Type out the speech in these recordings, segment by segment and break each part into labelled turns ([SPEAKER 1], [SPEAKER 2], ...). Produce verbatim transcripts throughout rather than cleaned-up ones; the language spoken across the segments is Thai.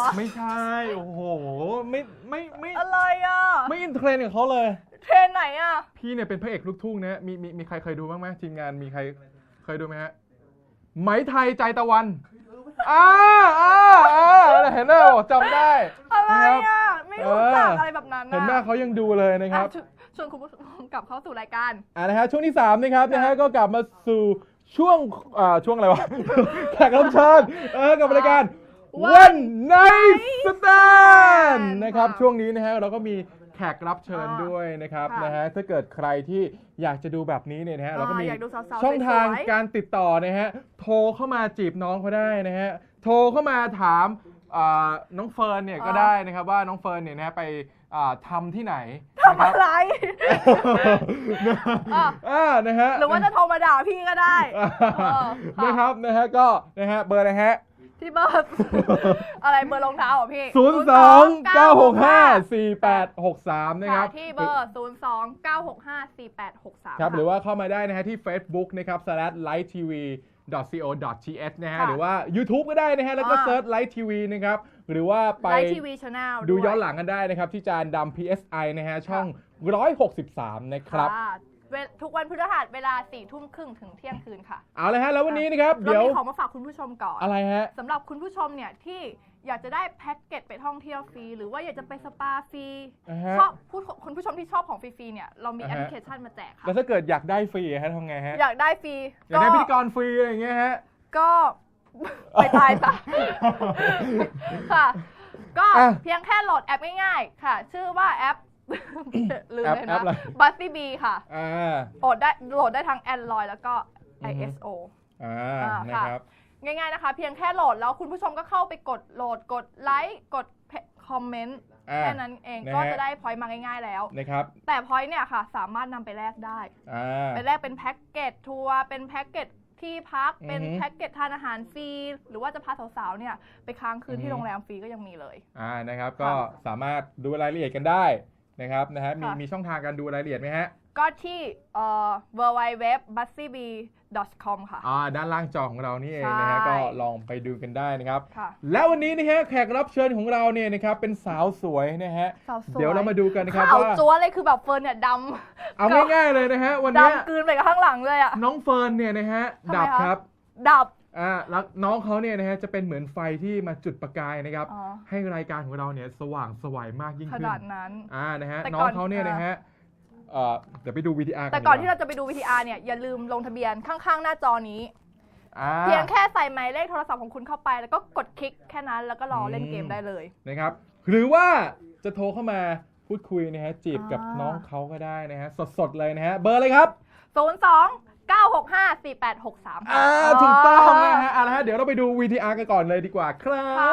[SPEAKER 1] ไม่ใช่โอ้โหไม่ไม่ไม่
[SPEAKER 2] อะไรอ่ะ
[SPEAKER 1] ไม่อินเทรนด์กับเขาเลย
[SPEAKER 2] เทรนไหนอ่ะ
[SPEAKER 1] พี่เนี่ยเป็นพระเอกลูกทุ่งนะมีมีมีใครเคยดูบ้างไหมทีมงานมีใครเคยดูไหมฮะไหมไทยใจตะวันอ่าอ่าอ่าเห็นไหมจำได้
[SPEAKER 2] อะไรอ่ะไม่รู้จักอะไรแบบนั้น
[SPEAKER 1] เห็นแม่เขายังดูเลยนะครับ
[SPEAKER 2] ชวนคุณผู้ชมกลับเข้าสู่รายการ
[SPEAKER 1] อ่านะฮะช่วงที่สามนะครับนะฮะก็กลับมาสู่ช่วงอ่าช่วงอะไรวะแขกรับเชิญเออกับรายการวันไนท์สแตนด์นะครับช่วงนี้นะฮะเราก็มีแขกรับเชิญด้วยนะครับนะฮะถ้าเกิดใครที่อยากจะดูแบบนี้เนี่ยนะฮะเราก็มีช่องทางการติดต่อนะฮะโทรเข้ามาจีบน้องเขาได้นะฮะโทรเข้ามาถามน้องเฟิร์นเนี่ยก็ได้นะครับว่าน้องเฟิร์นเนี่ยนะไปทำที่ไหน
[SPEAKER 2] ทำอะไร
[SPEAKER 1] อ่านะฮะ
[SPEAKER 2] หรือว่าจะโทรมาด่าพี่ก็ได้
[SPEAKER 1] นะครับนะฮะก็นะฮะเบอร์อะไรฮะ
[SPEAKER 2] ที่เบอร์อะไรเบอร์รองเท้าอ่ะพี่
[SPEAKER 1] ศูนย์ สอง เก้า หก ห้า สี่ แปด หก สามนะครับ
[SPEAKER 2] ที่เบอร์ศูนย์ สอง เก้า หก ห้า สี่ แปด หก สาม
[SPEAKER 1] ครับหรือว่าเข้ามาได้นะฮะที่ Facebook นะครับ slash light tv dot co dot th นะฮะหรือว่า YouTube ก็ได้นะฮะแล้วก็เซิร์ช Light ที วี นะครับหรือว่าไป
[SPEAKER 2] Light ที วี Channel
[SPEAKER 1] ดูย้อนหลังกันได้นะครับที่จานดำ พี เอส ไอ นะฮะช่องหนึ่งร้อยหกสิบสามนะครับ
[SPEAKER 2] ทุกวันพฤหัสเวลาสี่ทุ่มครึ่งถึงเที่ยงคืนค่ะ
[SPEAKER 1] เอาเลยฮะแล้ววันนี้นะครับเดี๋ยว
[SPEAKER 2] เรามีของมาฝากคุณผู้ชมก่อน
[SPEAKER 1] อะไรฮะ
[SPEAKER 2] สำหรับคุณผู้ชมเนี่ยที่อยากจะได้แพ็กเกจไปท่องเที่ยวฟรีหรือว่าอยากจะไปสปาฟรีชอบคุณผู้ชมที่ชอบของฟรีๆเนี่ยเรามีแอปพลิเคชันมาแจกค่ะ
[SPEAKER 1] แล้วถ้าเกิดอยากได้ฟรีฮะทำไงฮะ
[SPEAKER 2] อยากได้ฟรี
[SPEAKER 1] อยากได้พิธีกรฟรีอะไรอย่างเงี้ยฮะ
[SPEAKER 2] ก็ไปตายซะค่ะก็เพียงแค่โหลดแอปง่ายๆค่ะชื่อว่าแอปลืมเลยนะบัสซี่บีค่ะโหลดได้โหลดได้ทั้ง Android แล้วก็ ไอ เอส โอ
[SPEAKER 1] อ่านะครับ
[SPEAKER 2] ง่ายๆนะคะเพียงแค่โหลดแล้วคุณผู้ชมก็เข้าไปกดโหลดกดไลค์กดคอมเมนต์แค่นั้นเองก็จะได้พอยต์มาง่ายๆแล้ว
[SPEAKER 1] นะครับ
[SPEAKER 2] แต่พอยต์เนี่ยค่ะสามารถนำไปแลกได้ไปแลกเป็นแพ็กเกจทัวร์เป็นแพ็กเกจที่พักเป็นแพ็กเกจทานอาหารฟรีหรือว่าจะพาสาวๆเนี่ยไปค้างคืนที่โรงแรมฟรีก็ยังมีเลย
[SPEAKER 1] อ่านะครับก็สามารถดูรายละเอียดกันได้นะครับนะฮะมีมีช่องทางการดูรายละเอียดไหมฮะ
[SPEAKER 2] ก็ที่เอ่อ ดับเบิลยู ดับเบิลยู ดับเบิลยู ดอท บัสซี่บี ดอท คอม ค่ะ
[SPEAKER 1] อ่าด้านล่างจอของเรานี่เองนะฮะก็ลองไปดูกันได้นะครับแล้ววันนี้นะฮะแขกรับเชิญของเราเนี่ยนะครับเป็นสาวสวยนะฮะเดี๋ยวเรามาดูกันนะครับ
[SPEAKER 2] ว่าจั๊วเลยคือแบบเฟิร์นเนี่ยดำ
[SPEAKER 1] เอาง่ายๆเลยนะฮะวันนี้
[SPEAKER 2] ดำกลืนไปกับข้างหลังเลยอ่ะ
[SPEAKER 1] น้องเฟิร์นเนี่ยนะฮะดับครับ
[SPEAKER 2] ดับ
[SPEAKER 1] อ่าแล้วน้องเขาเนี่ยนะฮะจะเป็นเหมือนไฟที่มาจุดประกายนะครับให้รายการของเราเนี่ยสว่างสวยมากยิ่งขึ้น
[SPEAKER 2] ขนาดนั้น
[SPEAKER 1] อ่านะฮะน้องเขาเนี่ยนะฮะเอ่อเดี๋ยวไปดู วี ที อาร์
[SPEAKER 2] แต่ก่อนที่เราจะไปดู วี ที อาร์ เนี่ยอย่าลืมลงทะเบียนข้างๆหน้าจอนี้เพียงแค่ใส่หมายเลขโทรศัพท์ของคุณเข้าไปแล้วก็กดคลิกแค่นั้นแล้วก็รอเล่นเกมได้เลย
[SPEAKER 1] นะครับหรือว่าจะโทรเข้ามาพูดคุยนะฮะจีบกับน้องเขาก็ได้นะฮะสดๆเลยนะฮะเบอร์เลยครับ
[SPEAKER 2] ศูนย์ สอง เก้า หก ห้า สี่ แปด หก สาม
[SPEAKER 1] อ่าถูกต้องนะฮะเอาละฮะเดี๋ยวเราไปดู วี ที อาร์ กันก่อนเลยดีกว่าครับ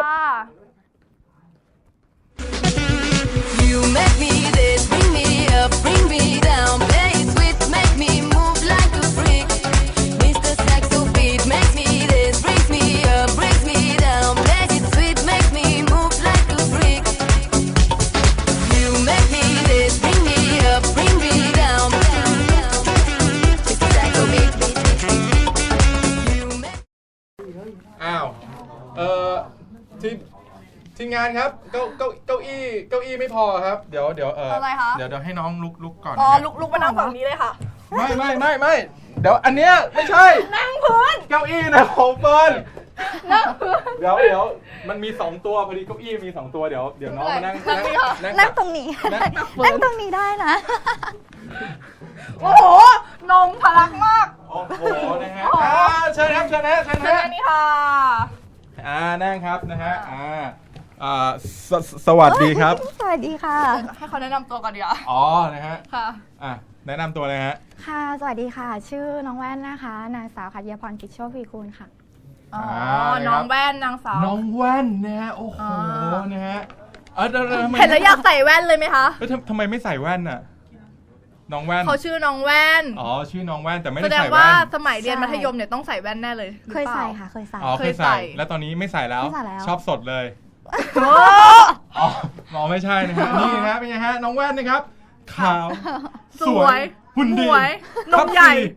[SPEAKER 3] You make me this, bring me up, bring me down, play it sweet, make me move like a freak. Mister Saxo beat, make me this, brings me up, brings me down, play it sweet, make me move like a freak. You make me this, bring me up, bring me down. Mister Saxo beat, you make.
[SPEAKER 1] อ้าวเอ่อที่ทีมงานครับเก้าเก้าเก้าอี้เก้าอี้ไม่พอครับเดี๋ยวเดี๋ยวเออเดี๋ยวเดี๋ยวให้น้องลุกลุกก่อน
[SPEAKER 2] อ๋อลุกลุกมานั่งฝั่งนี้เลยค่ะ
[SPEAKER 1] ไม่ไม่ไม่ไม่เดี๋ยวอันเนี้ยไม่ใช่
[SPEAKER 2] นั่งพื้น
[SPEAKER 1] เก้าอี้นะของเฟิร์นนั่งพื้นเดี๋ยวเดี๋ยวมันมีสองตัวพอดีเก้าอี้มีสองตัวเดี๋ยวเดี๋ยวน้องมานั่ง
[SPEAKER 4] นั่งตรงนี้นั่งตรงนี้ได้นะ
[SPEAKER 2] โอ้โหนมทะลักมาก
[SPEAKER 1] โอ้โหนะฮะเชิญครับเชิญนะเชิญนะ
[SPEAKER 2] นี่ค่ะ
[SPEAKER 1] อ่านั่งครับนะฮะอ่าอ่าสสวัสดีครับ
[SPEAKER 4] สวัสดีค่ะ
[SPEAKER 2] ให้เขาแนะนำตัวก่อนดีอ่ะ
[SPEAKER 1] อ๋อนะฮะ
[SPEAKER 2] ค่ะ
[SPEAKER 1] อ่ะแนะนำตัวเลยฮะ
[SPEAKER 4] ค่ะสวัสดีค่ะชื่อน้องแว่นนะคะนางสาวขัตยาพรกิจโชควีกูลค่ะ
[SPEAKER 2] อ๋อน้องแว่นนางสาว
[SPEAKER 1] น้องแว่นนะฮะโอ้โหนะฮะเ
[SPEAKER 2] ห็นแล้วอยากใส่แว่นเลยไหมคะ
[SPEAKER 1] เฮ้ยทำไมไม่ใส่แว่นอ่ะน้องแว่น
[SPEAKER 2] เขาชื่อน้องแว่น
[SPEAKER 1] อ๋อชื่อน้องแว่นแต่ไม่ได้ใส่แว่น
[SPEAKER 2] แสดงว่าสมัยเรียนมัธยมเนี่ยต้องใส่แว่นแน่เลย
[SPEAKER 4] เคยใส่ค่ะเคยใส่
[SPEAKER 1] อ๋อเคยใส่แล้วตอนนี้ไม่ใส่แล้วชอบสดเลยอ๋อมองไม่ใช่นะฮะนี่นะเป็นไงฮะน้องแว่นนะครับขาว
[SPEAKER 2] สวย
[SPEAKER 1] หุ่นดี
[SPEAKER 2] นมใหญ่
[SPEAKER 1] ค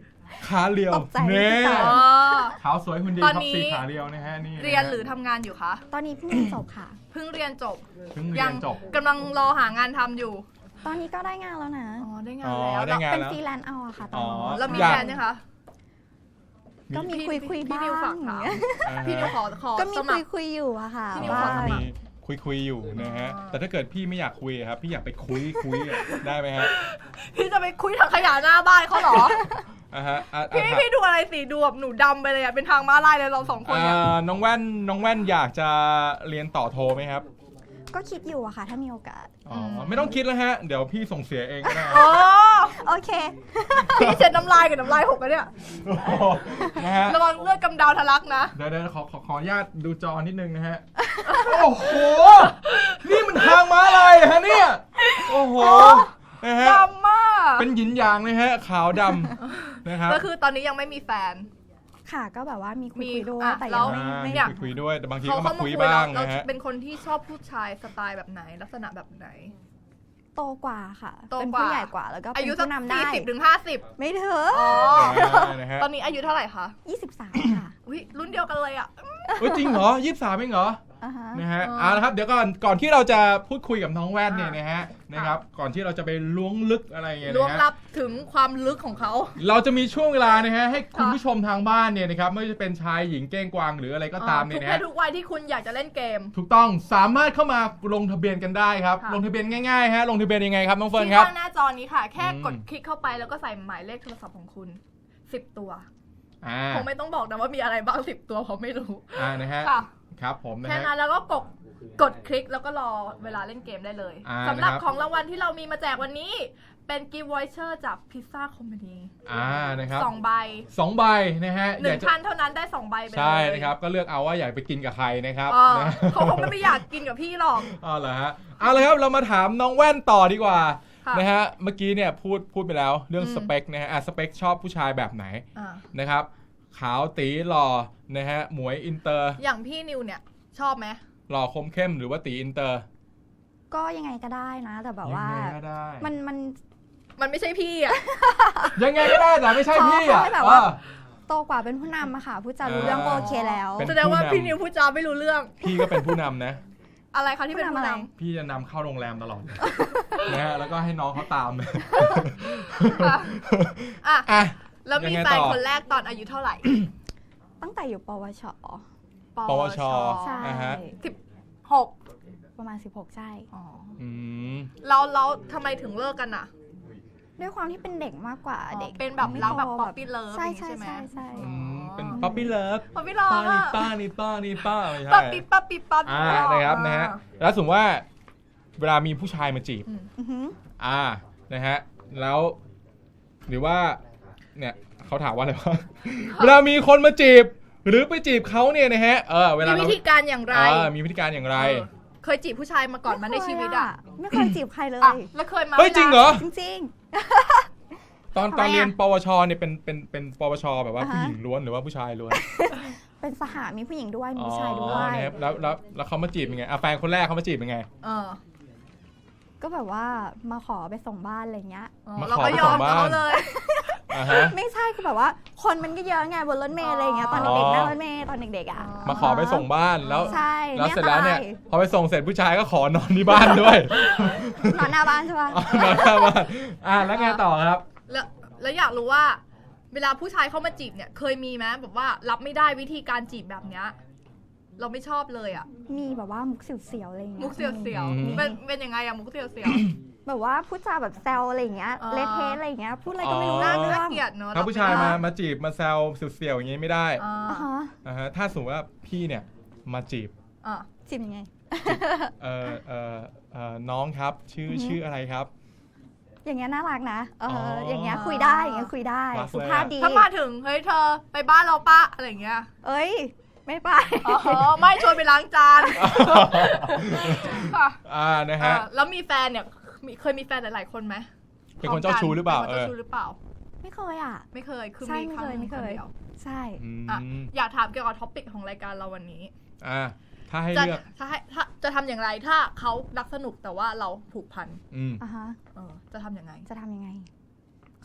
[SPEAKER 1] ขาเรียว
[SPEAKER 4] ตกใจ
[SPEAKER 1] เน่
[SPEAKER 4] ค่ะ
[SPEAKER 2] อ๋อ
[SPEAKER 1] ขาวสวยหุ่นดี
[SPEAKER 2] ตอน
[SPEAKER 1] ท็อป
[SPEAKER 2] นี้
[SPEAKER 1] สี่ขาเรียวนะฮะนี่
[SPEAKER 2] เรียนหรือทำงานอยู่คะ
[SPEAKER 4] ตอนนี้เพิ่งเรียนจบค่ะ
[SPEAKER 2] เพิ่งเรียนจบ
[SPEAKER 1] เพิ่งเรี
[SPEAKER 2] ยั
[SPEAKER 1] ยนจบ
[SPEAKER 2] กำลังรอหางานทำอยู่
[SPEAKER 4] ตอนนี้ก็ได้งานแล้วนะ
[SPEAKER 2] อ๋อได้งา
[SPEAKER 1] อ๋
[SPEAKER 2] น
[SPEAKER 1] อ
[SPEAKER 2] แล้ว
[SPEAKER 1] ได้งาน
[SPEAKER 4] เป็น
[SPEAKER 1] แล้ว
[SPEAKER 4] ฟรีแลนซ์เอาอะค่ะต
[SPEAKER 1] อ๋
[SPEAKER 4] อ
[SPEAKER 1] อ
[SPEAKER 4] นนี้
[SPEAKER 2] แล้วมี
[SPEAKER 1] อยาก
[SPEAKER 2] แฟนยังคะ
[SPEAKER 4] ก็มี
[SPEAKER 2] พี่
[SPEAKER 4] คุยคุย
[SPEAKER 2] พี่
[SPEAKER 4] บ้า
[SPEAKER 2] นิวฝาก
[SPEAKER 4] ง
[SPEAKER 2] ถาม
[SPEAKER 1] อ่า
[SPEAKER 2] พี่นิว
[SPEAKER 1] ฮะ
[SPEAKER 2] ขอขอ
[SPEAKER 4] ก็มี
[SPEAKER 2] สมั
[SPEAKER 4] คุ
[SPEAKER 2] ค
[SPEAKER 4] ย
[SPEAKER 2] ร
[SPEAKER 4] คุยอยู่อะค่ะ
[SPEAKER 2] พี่นิว
[SPEAKER 4] ว่า
[SPEAKER 2] ขอสมัคร
[SPEAKER 1] มีคุยคุยอยู่นะฮะ
[SPEAKER 2] อ๋อ
[SPEAKER 1] แต่ถ้าเกิดพี่ไม่อยากคุยอะครับพี่อยากไปคุยคุยอะได้ไหมฮะ
[SPEAKER 2] พี่จะไปคุยถังขยะหน้าบ้านเขาเหรอ
[SPEAKER 1] อ่าฮะอ่ะ
[SPEAKER 2] พี่
[SPEAKER 1] อ่ะ
[SPEAKER 2] พี่ดูอะไรสีดูแบบหนูดำไปเลยอะเป็นทางม้าลายเลยเราสองคนเนี่ย
[SPEAKER 1] อ่าน้องแว่นน้องแว่นอยากจะเรียนต่อโทไหมครับ
[SPEAKER 4] ก็คิดอยู่อะค่ะ ถ้ามีโอกาส
[SPEAKER 1] อ๋อไม่ต้องคิดแล้วฮะเดี๋ยวพี่ส่งเสียเองก็ได้
[SPEAKER 2] อ๋อ
[SPEAKER 4] โอเค
[SPEAKER 2] พี่เช็ดน้ำลายกับน้ำลายหกแล้วเนี่ย
[SPEAKER 1] โอ้โหนะฮะ
[SPEAKER 2] ระวังเลือดกำเดาทะลักนะ
[SPEAKER 1] เดี๋ยวเดี๋ยวขอขอขออนุญาตดูจอนิดนึงนะฮะ โอ้โห นี่มันทางม้าลายเหรอฮะเนี่ย โอ้โห นะฮะ
[SPEAKER 2] ดำมาก
[SPEAKER 1] เป็นหยินหยางเลยฮะ ขาวดำนะครับ
[SPEAKER 2] ก็คือตอนนี้ยังไม่มีแฟน
[SPEAKER 4] ค่ะ ก็แบบว่ามีคุย
[SPEAKER 2] มี
[SPEAKER 4] คุยด้วย
[SPEAKER 2] อ่ะ
[SPEAKER 4] แต่
[SPEAKER 2] แล้
[SPEAKER 4] ยั
[SPEAKER 2] ว
[SPEAKER 4] งไม่
[SPEAKER 1] อ่า
[SPEAKER 4] ไม่
[SPEAKER 2] เนี่ย
[SPEAKER 1] คุยคุยด้วย แต่บางที
[SPEAKER 2] เขา
[SPEAKER 1] ก็
[SPEAKER 2] เข้า
[SPEAKER 1] มา
[SPEAKER 2] มา
[SPEAKER 1] คุ
[SPEAKER 2] คุ
[SPEAKER 1] ย
[SPEAKER 2] ย
[SPEAKER 1] บ้า
[SPEAKER 2] เรา
[SPEAKER 1] ง
[SPEAKER 2] เรา
[SPEAKER 1] นะฮะ
[SPEAKER 2] เป็นคนที่ชอบผู้ชายสไตล์แบบไหน ลักษณะแบบไหน
[SPEAKER 4] โตกว่าค่ะ
[SPEAKER 2] โต
[SPEAKER 4] เป็น
[SPEAKER 2] กว่า
[SPEAKER 4] ผู้ใหญ่กว่า แล้วก็
[SPEAKER 2] อา
[SPEAKER 4] เป็น
[SPEAKER 2] ยุสัก
[SPEAKER 4] ผู้นำได้
[SPEAKER 2] สี่สิบถึงห้าสิบ
[SPEAKER 4] ไม่เถอะ
[SPEAKER 2] อ๋อ
[SPEAKER 1] อ่านะฮะ
[SPEAKER 2] ตอนนี้อายุเท่าไหร่คะ
[SPEAKER 4] ยี่สิบสามค่ะ
[SPEAKER 2] อุ้ยรุ่นเดียวกันเลยอ่ะ
[SPEAKER 1] เฮ้ยจริงเหรอยี่สิบสามเองเหรอ
[SPEAKER 4] อ่าฮะ
[SPEAKER 1] นะฮะ
[SPEAKER 2] อ๋อ
[SPEAKER 1] เอาละครับ เดี๋ยวก่อน ก่อนที่เราจะพูดคุยกับน้องแว่นเนี่ย
[SPEAKER 2] อ่ะ
[SPEAKER 1] นะฮะ นะครับ ก่อนที่เราจะไปล้วงลึกอะไรอย่างเงี้ย
[SPEAKER 2] ล้วง
[SPEAKER 1] นะ
[SPEAKER 2] ลั
[SPEAKER 1] ฮะ
[SPEAKER 2] บถึงความลึกของเขา
[SPEAKER 1] เราจะมีช่วงเวลานะฮะให้คุณ
[SPEAKER 2] ค่ะ
[SPEAKER 1] ผู้ชมทางบ้านเนี่ยนะครับไม่ว่าจะเป็นชายหญิงเก้งกวางหรืออะไรก็ตามเนี่ย
[SPEAKER 2] ทุก
[SPEAKER 1] นะ
[SPEAKER 2] เพ
[SPEAKER 1] ฮะ
[SPEAKER 2] ศทุกวัยที่คุณอยากจะเล่นเกม
[SPEAKER 1] ถูกต้องสามารถเข้ามาลงทะเบียนกันได้ครับ
[SPEAKER 2] ค่ะ
[SPEAKER 1] ลงทะเบียนง่ายๆฮะลงทะเบียนยังไงครับน้องเฟิร์น
[SPEAKER 2] ที่
[SPEAKER 1] ครับ
[SPEAKER 2] ข้างหน้าจอนี้ค่ะ แค่
[SPEAKER 1] อืม
[SPEAKER 2] กดคลิกเข้าไปแล้วก็ใส่หมายเลขโทรศัพท์ของคุณสิบตัว
[SPEAKER 1] อ่า
[SPEAKER 2] คงไม่ต้องบอกนะว่ามีอะไรบ้างสิบตัวเพราะไม่รู้
[SPEAKER 1] อ่านะฮะ
[SPEAKER 2] ค่ะ
[SPEAKER 1] ครับผมนะ
[SPEAKER 2] แค่
[SPEAKER 1] ฮะ
[SPEAKER 2] นั้นแล้วก็กดกดคลิกแล้วก็รอเวลาเล่นเกมได้เลย
[SPEAKER 1] อ่า
[SPEAKER 2] สำหรับ
[SPEAKER 1] นะครับ
[SPEAKER 2] ของรางวัลที่เรามีมาแจกวันนี้ เป็นกิฟต์วอยเชอร์จากพิซซ่าคอมพานี
[SPEAKER 1] อ่านะครับ
[SPEAKER 2] สองใบ
[SPEAKER 1] สองใบนะฮะ
[SPEAKER 2] หนึ่
[SPEAKER 1] อง ยากจะ
[SPEAKER 2] ท่านเท่านั้นได้สองใบไปเลย
[SPEAKER 1] ใช่นะครับก็เลือกเอาว่าอยากไปกินกับใครนะครับ
[SPEAKER 2] เออ
[SPEAKER 1] นะ
[SPEAKER 2] เขาคงไม่อยากกินกับพี่หรอก
[SPEAKER 1] อ๋อเหรอฮะเอาเลยครับเรามาถามน้องแว่นต่อดีกว่า
[SPEAKER 2] ค่ะ
[SPEAKER 1] นะฮะเมื่อกี้เนี่ยพูดพูดไปแล้วเรื่อง
[SPEAKER 2] อืม
[SPEAKER 1] สเปคนะฮะอ่ะสเปคชอบผู้ชายแบบไหน
[SPEAKER 2] อ่า
[SPEAKER 1] นะครับขาวตีหล่อนะฮะหมวยอินเตอร์
[SPEAKER 2] อย่างพี่นิวเนี่ยชอบไหม
[SPEAKER 1] หล่อคมเข้มหรือว่าตีอินเตอร์
[SPEAKER 4] ก็ยังไงก็ได้นะ แต่แบบว่า
[SPEAKER 1] ยังไงก็ได้
[SPEAKER 4] มันมัน
[SPEAKER 2] มันไม่ใช่พี่อ่ะ
[SPEAKER 1] ยังไงก็ได้แต่ไม่ใช่พี่อ่ะ
[SPEAKER 4] ขอให้แบบว่า
[SPEAKER 1] เออ
[SPEAKER 4] โตกว่าเป็นผู้นำอะค่ะ ผู้จารู้เรื่องก็โอเคแล้ว
[SPEAKER 1] เป็น
[SPEAKER 2] แสดงว่า
[SPEAKER 1] ผู้นำ
[SPEAKER 2] พี่นิวพูดจาไม่รู้เรื่อง
[SPEAKER 1] พี่ก็เป็นผู้นำนะ
[SPEAKER 2] อะไรคะที่เป็น
[SPEAKER 4] ผู้
[SPEAKER 2] ผู้
[SPEAKER 4] นำอะไร
[SPEAKER 2] นำ
[SPEAKER 1] พี่จะนำเข้าโรงแรมตลอด นะฮะแล้วก็ให้น้องเขาตาม
[SPEAKER 2] ค่ะ อ่ะ
[SPEAKER 1] อ่ะ
[SPEAKER 2] แล้วมี
[SPEAKER 1] ยังไง
[SPEAKER 2] แฟน
[SPEAKER 1] ต่อ
[SPEAKER 2] คนแรกตอนอายุเท่าไหร่
[SPEAKER 4] ตั้งแต่อยู่ปวช
[SPEAKER 1] ปวช
[SPEAKER 4] ใช่
[SPEAKER 1] อ่าฮะ
[SPEAKER 2] สิบหก
[SPEAKER 4] ประมาณสิบหกใช่
[SPEAKER 2] อ๋อ
[SPEAKER 1] อืม
[SPEAKER 2] เราเราทำไมถึงเลิกกันอ่ะ
[SPEAKER 4] ด้วยความที่เป็นเด็กมากกว่าเด็ก
[SPEAKER 2] เป็นแบบ
[SPEAKER 4] ไม่
[SPEAKER 2] รักแบบ
[SPEAKER 4] โต
[SPEAKER 2] ป๊อปปี้เลิฟ
[SPEAKER 4] ใช่
[SPEAKER 2] อย่างงี้ใช่ไหม
[SPEAKER 4] ใช่ใช่ใช่
[SPEAKER 1] อืมเป็นป๊อปปี้เลิฟ
[SPEAKER 2] ป๊อปปี้เลิฟ
[SPEAKER 1] ป้านี่
[SPEAKER 2] อะ
[SPEAKER 1] ป้านี่ป้านี่ป้าไม่ใช่
[SPEAKER 2] ป๊อปปี้ป๊อปปี้ป๊อป
[SPEAKER 1] อ่านะครับนะฮะแล้วสมมติว่าเวลามีผู้ชายมาจีบ
[SPEAKER 2] อืม
[SPEAKER 4] อือหือ
[SPEAKER 1] อ่านะฮะแล้วหรือว่าเนี่ยเขาถามว่าอะไรวะ เวลามีคนมาจีบ หรือไปจีบเขาเนี่ยนะฮะเออเวลา
[SPEAKER 2] มี
[SPEAKER 1] เรา
[SPEAKER 2] วิธีการอย่างไร
[SPEAKER 1] เออมีวิธีการอย่างไร
[SPEAKER 2] เออเคยจีบผู้ชายมาก่อนมาในชีวิตอ่ะ
[SPEAKER 4] ไม่เคยจีบใครเลย
[SPEAKER 2] อ่ะแล้วเคยมา
[SPEAKER 1] เฮ้ยจริงเหรอ
[SPEAKER 4] จริง
[SPEAKER 1] ตอน
[SPEAKER 4] ทำไม
[SPEAKER 1] ตอนเรียน
[SPEAKER 4] อะ
[SPEAKER 1] ปวชเนี่ยเป็นเป็นเป็นปวชแบบว่า
[SPEAKER 4] อ่าฮะ
[SPEAKER 1] ผู้หญิงล้วนหรือว่าผู้ชายล้วน
[SPEAKER 4] ๆ เป็นสหามีผู้หญิงด้วยมี
[SPEAKER 1] อ๋อ
[SPEAKER 4] ผู้ชายด้วย
[SPEAKER 1] นะครับแล้วแล้วแล้วเขามาจีบยังไงอ่ะแฟนคนแรกเขามาจีบยังไง
[SPEAKER 2] เออ
[SPEAKER 4] ก็แบบว่ามาขอไปส่งบ้านอะไรเงี้ย
[SPEAKER 2] อ๋อ
[SPEAKER 1] มา
[SPEAKER 2] เรา
[SPEAKER 1] ขอ
[SPEAKER 2] ก็
[SPEAKER 1] ไป
[SPEAKER 2] ย
[SPEAKER 1] ส่
[SPEAKER 2] อม
[SPEAKER 1] งบ้าน
[SPEAKER 2] เขาเลย
[SPEAKER 1] อ่าฮะ
[SPEAKER 4] ไม่ใช่คือแบบว่าคนมันก็เยอะไงบนรถเมล์อะไรอย่างเงี้ยตอนเด็ก
[SPEAKER 1] อ๋อ
[SPEAKER 4] ๆนั่งรถเมล์ตอนเด็กๆอ่ะ
[SPEAKER 1] มาขอไปส่งบ้านแล้ว
[SPEAKER 4] ใช่
[SPEAKER 1] แล้วเสร็จแล้วเนี่ย
[SPEAKER 4] ไม่อันตร
[SPEAKER 1] พอไปส่งเสร็จผู้ชายก็ขอนอนที่บ้านด้วย
[SPEAKER 4] นอนหน้าบ้านใช่ปะ
[SPEAKER 1] อ๋อนอนหน้าบ้านอ่ะแล้วไงต่อครับ
[SPEAKER 2] แล้วแล้วอยากรู้ว่า เวลาผู้ชายเข้ามาจีบเนี่ย เคยมีไหมแบบว่ารับไม่ได้วิธีการจีบแบบเนี้ยเราไม่ชอบเลยอ่ะ
[SPEAKER 4] มีแบบว่ามุกเสียวๆอะไรอย่างเงี้ย
[SPEAKER 2] มุกเสียว
[SPEAKER 1] อืม
[SPEAKER 2] ๆเป็นเป็นยังไงอะมุกเสียว
[SPEAKER 4] แบบว่าพูดจาแบบแซวอะไรอย่างเงี้ย
[SPEAKER 2] อ๋อ
[SPEAKER 4] เละเทะอะไรอย่างเงี้ยพูดอะไรก็ไม่รู้
[SPEAKER 2] ๆ
[SPEAKER 1] อ๋อ
[SPEAKER 2] น่า
[SPEAKER 4] เรื่
[SPEAKER 2] น่า
[SPEAKER 4] อง
[SPEAKER 2] เกลียดเนอะ
[SPEAKER 1] ถ้าผู้ชาย
[SPEAKER 2] รับ
[SPEAKER 1] มา
[SPEAKER 2] ไได้
[SPEAKER 1] มาจีบมาแซวเสียวๆอย่างงี้ไม่ได้
[SPEAKER 2] อ่า
[SPEAKER 4] อ่าฮะ
[SPEAKER 1] อ่าฮะถ้าสมมติว่าพี่เนี่ยมาจีบ
[SPEAKER 2] อ่ะ
[SPEAKER 4] จีบยังไง
[SPEAKER 1] เอ่อเอ่อเอ่อน้องครับชื่อ
[SPEAKER 4] อือฮึ
[SPEAKER 1] ชื่ออะไรครับ
[SPEAKER 4] อย่างเงี้ยน่ารักนะเอออ
[SPEAKER 1] อ
[SPEAKER 4] อย่างเงี้ยคุยได้อย่างเงี้ยคุยได้
[SPEAKER 1] รักเลยอะ
[SPEAKER 4] สุภาพดี
[SPEAKER 2] ถ้ามาถึงเฮ้ยเธอไปบ้านเราปะอะไรอย่างเงี้ย
[SPEAKER 4] เอ้ย ไม่ไป
[SPEAKER 2] อ๋อไม่ชวนไปล้างจานค่ะ
[SPEAKER 1] อ่านะฮะ
[SPEAKER 2] เออแล้วมีแฟนเนี่ยมีเคยมีแฟนหลายๆคนไหม
[SPEAKER 1] เป็นคนเจ้าชู้หรือเปล่า
[SPEAKER 2] เป็นคน
[SPEAKER 1] เออ
[SPEAKER 2] เจ้าชู้หรือเปล่า
[SPEAKER 4] ไม่เคยอ่ะ
[SPEAKER 2] ไม่เคยคือ
[SPEAKER 4] ใช่
[SPEAKER 2] มีครั้งหนึ่ง
[SPEAKER 4] ไม่เคย
[SPEAKER 2] นดีว
[SPEAKER 4] ใช่
[SPEAKER 1] อืม
[SPEAKER 2] อ่ะอยากถามเกี่ยวกับท็อปิกของรายการเราวันนี้
[SPEAKER 1] อ่าถ้าให้
[SPEAKER 2] จะ
[SPEAKER 1] เลือก
[SPEAKER 2] ถ้าให้ถ้าจะทำอย่างไรถ้าเขารักสนุกแต่ว่าเราผูกพัน
[SPEAKER 1] อืม
[SPEAKER 4] อ่ะฮะ
[SPEAKER 2] เออจะทำยังไง
[SPEAKER 4] จะทำยังไง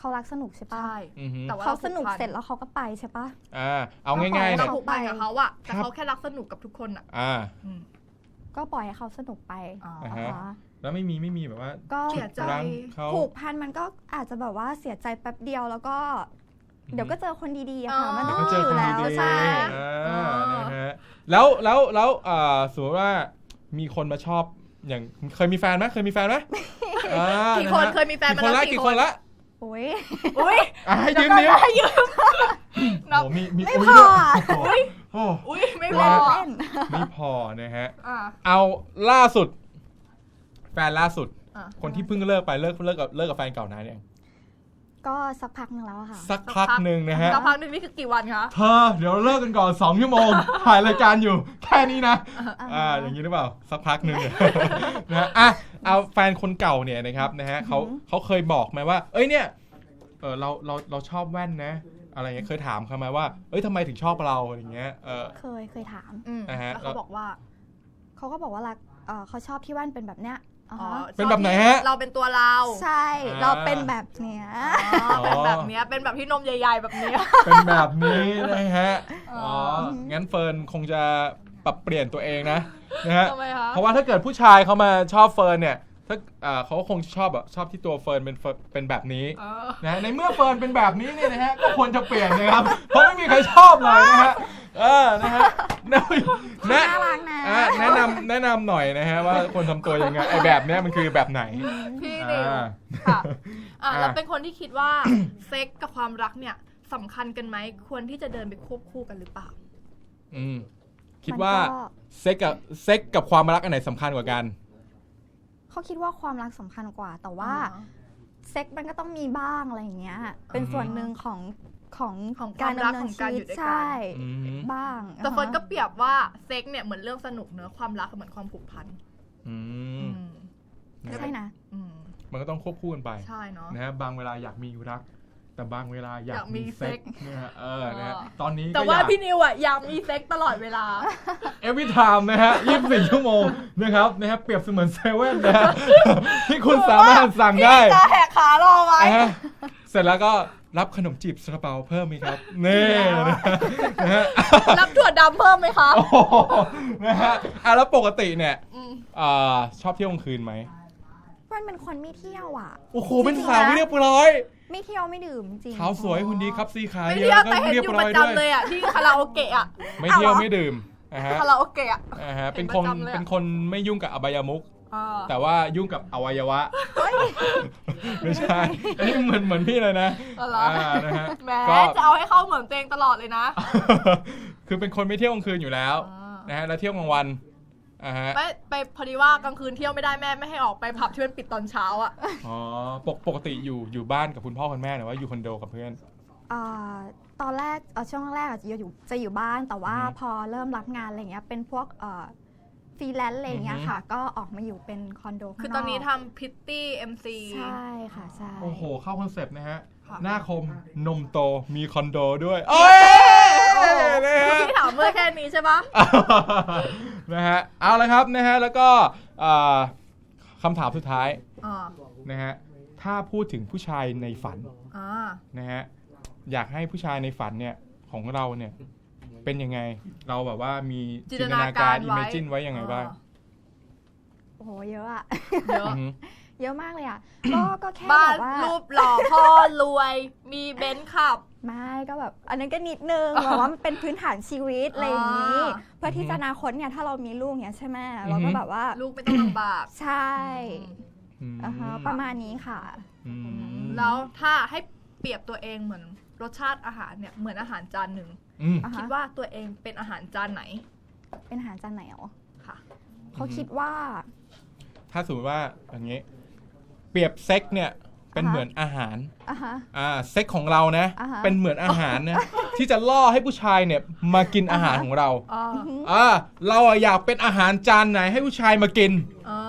[SPEAKER 4] เขารักสนุกใช่ปะ
[SPEAKER 2] ใช่
[SPEAKER 1] อือฮึ
[SPEAKER 2] แต่ว่า
[SPEAKER 4] เขาสนุกเสร็จแล้วเขาก็ไปใช่ปะ
[SPEAKER 1] อ่าเอาง่ายๆ
[SPEAKER 2] เรา
[SPEAKER 1] เนี่ย
[SPEAKER 2] ผูกพันกับเขาอะแต่
[SPEAKER 1] ครับ
[SPEAKER 2] เขาแค่รักสนุกกับทุกคนอะ
[SPEAKER 1] อ่า
[SPEAKER 2] อืม
[SPEAKER 4] ก็ปล่อยให้เขาสนุกไป
[SPEAKER 2] อ๋อ
[SPEAKER 1] อ่า
[SPEAKER 4] นะ
[SPEAKER 1] ฮะ
[SPEAKER 4] คะ
[SPEAKER 1] แล้วไม่มีไม่มีแบบว่า
[SPEAKER 4] ก็
[SPEAKER 2] เสียใจ
[SPEAKER 1] รั้งเขา
[SPEAKER 4] ผูกพันมันก็อาจจะแบบว่าเสียใจแป๊บเดียวแล้วก็ เดี๋ยวก็เจอคนดีๆอะค่ะ มันต้อง
[SPEAKER 1] ก็
[SPEAKER 4] มี
[SPEAKER 1] เจอ
[SPEAKER 4] อ
[SPEAKER 1] คน
[SPEAKER 4] ยู่แล้ว
[SPEAKER 1] ดีๆ
[SPEAKER 4] ใช่
[SPEAKER 1] อ่านะฮะแล้วแล้วแล้วอ่าสมมติว่ามีคนมาชอบอย่างเคยมีแฟนไหมเคยมีแฟนไหมอ่า
[SPEAKER 2] กี่คน
[SPEAKER 1] นะฮะ
[SPEAKER 2] เคยมีแฟนมา
[SPEAKER 1] กี่คน
[SPEAKER 2] แล้ว
[SPEAKER 1] ละ
[SPEAKER 2] กี่
[SPEAKER 1] กี่
[SPEAKER 2] ค
[SPEAKER 1] คน นละ
[SPEAKER 4] โอ้ย
[SPEAKER 2] อุ้ย
[SPEAKER 1] อ่ะให้ยืม
[SPEAKER 2] เดี๋
[SPEAKER 1] นิ้
[SPEAKER 2] ยว วก่อนนะยืม นับ
[SPEAKER 1] โอ้มีมี
[SPEAKER 4] ไม่
[SPEAKER 1] อุ้ย
[SPEAKER 4] พอ
[SPEAKER 1] ด้วยโอ้
[SPEAKER 2] อุ้ยไม่พ
[SPEAKER 1] เล่
[SPEAKER 2] อ
[SPEAKER 4] เล่น
[SPEAKER 1] ไม่พอนะฮะ
[SPEAKER 2] อ่า
[SPEAKER 1] เอาล่าสุด แฟนล่าสุด
[SPEAKER 2] อ่ะ
[SPEAKER 1] คนที่เพิ่งเลิกไปเลิกเลิกกับเลิกกับแฟนเก่านานเนี่ยง
[SPEAKER 4] ก็สักพักหนึ่งแล้วอะค่ะ
[SPEAKER 1] สักพักหนึ่งนะฮะ
[SPEAKER 2] สักพักหนึ่งนี่คือกี่วันคะ
[SPEAKER 1] เธอเดี๋ยวเลิกกันก่อนสองชั่วโมง ถ่ายรายการอยู่แค่นี้นะ อ่าอย่างนี้หรือเปล่าสักพักหนึ่ง นะฮะอ่ะเอาแฟนคนเก่าเนี่ยนะครับนะฮะเขาเขาเคยบอกไหมว่า เอ้ยเนี่ยเออเราเราเราชอบแว่นนะ อะไรเงี้ยเคยถามเขาไหมว่าเอ้ยทำไมถึงชอบเราอะไรเงี้ยเออ
[SPEAKER 4] เคยเคยถาม
[SPEAKER 2] อืม
[SPEAKER 1] อ่าฮะ
[SPEAKER 2] แล้วเขาบอกว่า
[SPEAKER 4] เขาก็บอกว่ารักเอ่อเขาชอบที่แว่นเป็นแบบเนี้ยอ๋อ
[SPEAKER 2] อ๋อ
[SPEAKER 4] อ
[SPEAKER 1] เป็นแบบไหนฮะ
[SPEAKER 2] เราเป็นตัวเรา
[SPEAKER 4] ใช่
[SPEAKER 1] อ่า
[SPEAKER 4] เราเป็นแบบเนี้ย
[SPEAKER 2] อ๋อเป็นแบบเนี้ยเป็นแบบที่นมใหญ่ๆแบบเนี้ย
[SPEAKER 1] เป็นแบบนี้นะฮะ
[SPEAKER 2] อ๋อ
[SPEAKER 1] อ๋อ งั้นเฟิร์นคงจะปรับเปลี่ยนตัวเองนะนะฮะ
[SPEAKER 2] ทำไมคะ
[SPEAKER 1] เพราะว่าถ้าเกิดผู้ชายเขามาชอบเฟิร์นเนี่ยถ้าอ่าเขาคงชอบแบบชอบที่ตัวเฟิร์นเป็นเฟิร์นเป็นแบบนี้
[SPEAKER 2] เออ
[SPEAKER 1] นะในเมื่อเฟิร์นเป็นแบบนี้เนี่ยนะฮะก็ควรจะเปลี่ยนนะครับ เพราะไม่มีใครชอบเลยนะฮะเออนะฮะแนะ
[SPEAKER 4] น่ารักนะ
[SPEAKER 1] อ่ะแนะนำแนะนำหน่อยนะฮะว่าควรทำตัวยังไงไอ้แบบเนี้ยมันคือแบบไหน
[SPEAKER 2] พี่นิว
[SPEAKER 1] อ่า
[SPEAKER 2] ค่ะอ่ะ
[SPEAKER 1] อ่า
[SPEAKER 2] แล้วเป็นคนที่คิดว่า เซ็กกับความรักเนี่ยสำคัญกันไหมควรที่จะเดินไปควบคู่กันหรือเปล่า
[SPEAKER 1] อืมคิดว่า
[SPEAKER 4] มันก็
[SPEAKER 1] เซ็กกับเซ็กกับความรักอันไหนสำคัญกว่ากัน
[SPEAKER 4] เขาคิดว่าความรักสำคัญกว่า แต่ว่า
[SPEAKER 2] อ๋อ
[SPEAKER 4] เซ็กมันก็ต้องมีบ้างอะไรอย่างเงี้ย เป็นส่วนหนึ่งของของ
[SPEAKER 2] ของ
[SPEAKER 4] การ
[SPEAKER 2] ความรัก
[SPEAKER 4] ดำเนิ
[SPEAKER 2] ข
[SPEAKER 4] น
[SPEAKER 2] องการ
[SPEAKER 4] ชี
[SPEAKER 2] อ
[SPEAKER 4] วิ
[SPEAKER 2] ยู่
[SPEAKER 4] ต
[SPEAKER 2] ด้วยกัน
[SPEAKER 4] ใช่
[SPEAKER 1] อืม
[SPEAKER 4] บ้าง
[SPEAKER 2] แต่เฟิร์นก็
[SPEAKER 4] อ่าฮะ
[SPEAKER 2] เปรียบว่าเซ็กเนี่ยเหมือนเรื่องสนุกเนอะความรักเหมือนความผูกพัน
[SPEAKER 1] อืม
[SPEAKER 2] อืม
[SPEAKER 4] ใช่นะ
[SPEAKER 2] อืม
[SPEAKER 1] มันก็ต้องควบคู่กันไป
[SPEAKER 2] ใช่เนาะ
[SPEAKER 1] นะฮะบางเวลาอยากมีรัก แต่บางเวลาอยาก
[SPEAKER 2] อยากมี
[SPEAKER 1] มีเซ็ก
[SPEAKER 2] เซ็ก
[SPEAKER 1] เนี่ยฮะเออนะฮะ
[SPEAKER 2] เออ
[SPEAKER 1] ตอนนี้
[SPEAKER 2] แต่
[SPEAKER 1] ก็
[SPEAKER 2] ว่า
[SPEAKER 1] อยาก
[SPEAKER 2] พี่นิวอ่ะอยากมีเซ็กตลอดเวลา
[SPEAKER 1] every time นะฮะยี่สิบสี่ชั่วโมงนะครับนะฮะเปรียบเสมือนเซเว่นนะฮะ ที่คุณสามารถสั่งได้
[SPEAKER 2] พี่จะแหกขารอไว้
[SPEAKER 1] อ่ะเสร็จแล้วก็รับขนมจีบซาลาเปาเพิ่มไหมครับนี่นะฮะ
[SPEAKER 2] รับถั่วดำเพิ่มไหมคะ
[SPEAKER 1] โอ้โหนะฮะอ่ะแล้วปกติเนี่ย
[SPEAKER 2] อืม
[SPEAKER 1] อ่าชอบเที่ยวกลางคืนไหม
[SPEAKER 4] มันเป็นคนไม่เที่ยวอ่ะ
[SPEAKER 1] โอ้โหเป็นสาวไม่เรียบร้อย
[SPEAKER 4] ไม่เที่ยวไม่ดื่มจริง
[SPEAKER 1] ขาวสวยหุ่นดีครับซีขา
[SPEAKER 2] ไม่
[SPEAKER 1] เย
[SPEAKER 2] เที่ยว
[SPEAKER 1] อะก็
[SPEAKER 2] แต่เห็น
[SPEAKER 1] เรียบ
[SPEAKER 2] อยู่
[SPEAKER 1] ร้
[SPEAKER 2] ป
[SPEAKER 1] อย
[SPEAKER 2] ระ
[SPEAKER 1] ด้วย
[SPEAKER 2] จำเลยอ่ะที่คาราโอเกะอ่ะ
[SPEAKER 1] ไม่เที่ยวไม่ดื่มนะฮะ
[SPEAKER 2] คาราโอเกะอ่ะ
[SPEAKER 1] นะฮะเป็น
[SPEAKER 2] เห็น
[SPEAKER 1] คน
[SPEAKER 2] ประจำเลยอะ
[SPEAKER 1] เป็นคนไม่ยุ่งกับอบายมุข
[SPEAKER 2] อ่า
[SPEAKER 1] แต่ว่ายุ่งกับอวัยวะไม่ใช่อันนี้เหมือนเหมือนพี่เลยนะ
[SPEAKER 2] อ๋อเหรอ
[SPEAKER 1] อ่านะฮะ
[SPEAKER 2] แหม
[SPEAKER 1] ก็
[SPEAKER 2] จะเอาให้เข้าเหมือนตัวเองตลอดเลยนะ
[SPEAKER 1] คือเป็นคนไม่เที่ยวกลางคืนอยู่แล้ว
[SPEAKER 2] อ่าน
[SPEAKER 1] นะฮะแล้วเที่ยวกลางวันอ่าฮะ
[SPEAKER 2] ไม่ไปพอดีว่ากลางคืนเที่ยวไม่ได้แม่ไม่ให้ออกไปผับที่มันปิดตอนเช้าอ่ะ
[SPEAKER 1] อ๋อปกปกติอยู่อยู่บ้านกับคุณพ่อคุณแม่หรือว่าอยู่คอนโดกับเพื่อน
[SPEAKER 4] อ่าตอนแรกเอ่อช่วงแรกอะจะอยู่จะอยู่บ้าน แต่ว่า
[SPEAKER 1] อือฮึ
[SPEAKER 4] พอเริ่มรับงานอะไรเงี้ยเป็นพวกเอ่อฟรีแลนซ์อะไรเงี้ย
[SPEAKER 1] อือฮึ
[SPEAKER 4] ค่ะ ก็ออกมาอยู่เป็นคอนโด
[SPEAKER 2] คือ
[SPEAKER 4] ข้าง
[SPEAKER 2] ตอนนี้
[SPEAKER 4] ก
[SPEAKER 2] ทำพิตตี้เอ็มซี
[SPEAKER 4] ใช่ค่ะใช่
[SPEAKER 1] โอ้โหเข้าคอนเซปต์นะฮะ
[SPEAKER 2] ค่ะ
[SPEAKER 1] หน้าคมนมโตมีคอนโดด้วยโอ้ยนะฮะ
[SPEAKER 2] ที่ถามเมื่อแค่นี้ใช่ปะ
[SPEAKER 1] นะฮะเอาละครับนะฮะแล้วก็อ่าคำถามสุดท้าย
[SPEAKER 2] อ่า
[SPEAKER 1] นะฮะถ้าพูดถึงผู้ชายในฝัน
[SPEAKER 2] อ่า
[SPEAKER 1] นะฮะอยากให้ผู้ชายในฝันเนี่ยของเราเนี่ยเป็นยังไงเราแบบว่ามี
[SPEAKER 2] จิน
[SPEAKER 1] จิ
[SPEAKER 2] ต
[SPEAKER 1] นต
[SPEAKER 2] นา
[SPEAKER 1] นา
[SPEAKER 2] การ
[SPEAKER 1] การ
[SPEAKER 2] ไว้
[SPEAKER 1] อิมเมจินไว้ยังไงบ้าง
[SPEAKER 4] โอ้โหเยอะอะ
[SPEAKER 2] เยอะ
[SPEAKER 1] อือฮึ
[SPEAKER 4] เยอะมากเลยอะก็ก็แค่
[SPEAKER 2] บ้า
[SPEAKER 4] แบ
[SPEAKER 2] น
[SPEAKER 4] บว่า
[SPEAKER 2] รูปหล่อพ่อรวย มีเบนซ์ขับ
[SPEAKER 4] ไม่ก็แบบ อันนั้นก็นิดนึง แบบว่ามันเป็นพื้นฐานชีวิตอะไรอย่างนี้
[SPEAKER 2] อ่า
[SPEAKER 4] เพื่อที่จะอนาคตเนี่ยถ้าเรามีลูกเนี่ยใช่ไหมเราก็แบบว่า
[SPEAKER 2] ลูกไม่ต้องลำบาก
[SPEAKER 4] ใช่
[SPEAKER 1] อืม
[SPEAKER 4] อ่าฮะประมาณนี้ค่ะ
[SPEAKER 1] อืม
[SPEAKER 2] แล้วถ้าให้เปรียบตัวเองเหมือนรสชาติอาหารเนี่ยเหมือนอาหารจานหนึ่ง
[SPEAKER 1] อืม
[SPEAKER 4] อ่าฮะ
[SPEAKER 2] คิดว่าตัวเองเป็นอาหารจานไหน
[SPEAKER 4] เป็นอาหารจานไหนอ๋อ
[SPEAKER 2] ค่ะ
[SPEAKER 4] เขาคิดว่า
[SPEAKER 1] ถ้าสมมติว่าอย่างนี้ เปรียบเซ็กเนี่ยเป็น
[SPEAKER 4] อ่าฮะ
[SPEAKER 1] เหมือนอาหาร
[SPEAKER 4] อ่าฮะ
[SPEAKER 1] อ่าเซ็กของเรานะ
[SPEAKER 4] อ่าฮะ
[SPEAKER 1] เป็นเหมือนอาหารนะ ที่จะล่อให้ผู้ชายเนี่ยมากินอาหารของเรา
[SPEAKER 2] อ่า
[SPEAKER 1] อ่าเราอะอยากเป็นอาหารจานไหนให้ผู้ชายมากิน
[SPEAKER 2] อ่า